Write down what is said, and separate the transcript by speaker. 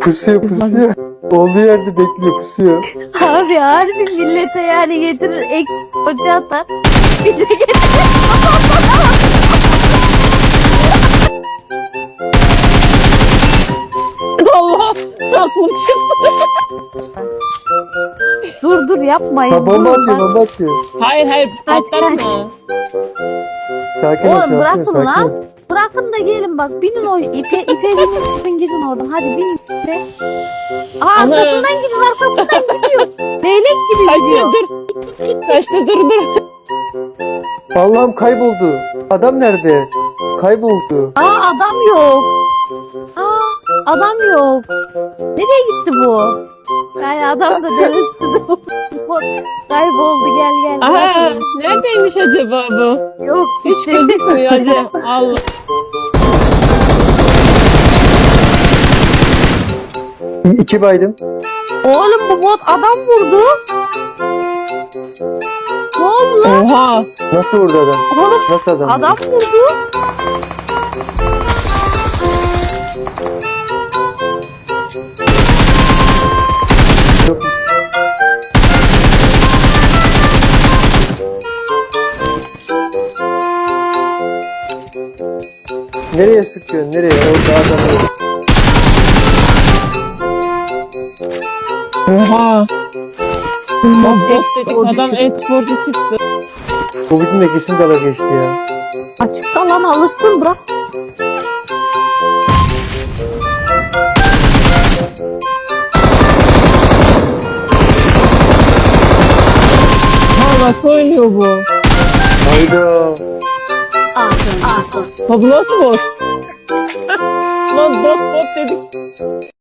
Speaker 1: Pusuyor pusuyor. Olduğu yerde bekliyor pusuyor.
Speaker 2: Abi harbi millete yani getirir ek borcu atar. Bize getirir.
Speaker 3: Allah! Aklım çıktı.
Speaker 2: Dur yapmayın.
Speaker 1: Ha bomba
Speaker 2: durun
Speaker 1: atıyor
Speaker 2: bak.
Speaker 1: bomba atıyor.
Speaker 3: Hayır
Speaker 2: Kaç,
Speaker 3: patlatma.
Speaker 2: kaç.
Speaker 1: Sakin ol
Speaker 2: Oğlum
Speaker 1: sakin ol
Speaker 2: bırakın
Speaker 1: sakin
Speaker 2: lan.
Speaker 1: ol.
Speaker 2: Bırakın da gelin bak. Binin o ipe binin çıkın gidin oradan. Hadi binin ipe. Aa
Speaker 3: Ana.
Speaker 2: arkasından gidin arkasından gidiyor. Leylek gibi
Speaker 3: Kaçıyor
Speaker 2: gidiyor.
Speaker 3: dur. Kaçtı dur.
Speaker 1: Allah'ım kayboldu. Adam nerede? Kayboldu.
Speaker 2: Aa adam yok. Aa adam yok. Nereye gitti bu? Yani adam da denizde kayboldu gel.
Speaker 3: Aha
Speaker 2: Bırakın.
Speaker 3: neredeymiş acaba bu?
Speaker 2: Yok
Speaker 3: Hiç gözükmüyor hadi. Allah.
Speaker 1: İki baydım.
Speaker 2: Oğlum bu bot adam vurdu. Ne oldu lan?
Speaker 3: Oha.
Speaker 1: Nasıl vurdu adam?
Speaker 2: Oğlum
Speaker 1: Nasıl adam?
Speaker 2: adam vurdu.
Speaker 1: Yok. Nereye sıkıyorsun? Nereye? Orada adam yok.
Speaker 3: Oha. Bak
Speaker 1: O
Speaker 3: adam
Speaker 1: düşük-
Speaker 3: e-sporcu çıktı.
Speaker 1: Covid'in de kesin dala geçti ya.
Speaker 2: Açıkta lan alırsın bırak.
Speaker 3: Ha nasıl oynuyor bu?
Speaker 1: Hayda.
Speaker 2: Aferin.
Speaker 3: Ha bu nasıl bot? Lan bot dedik.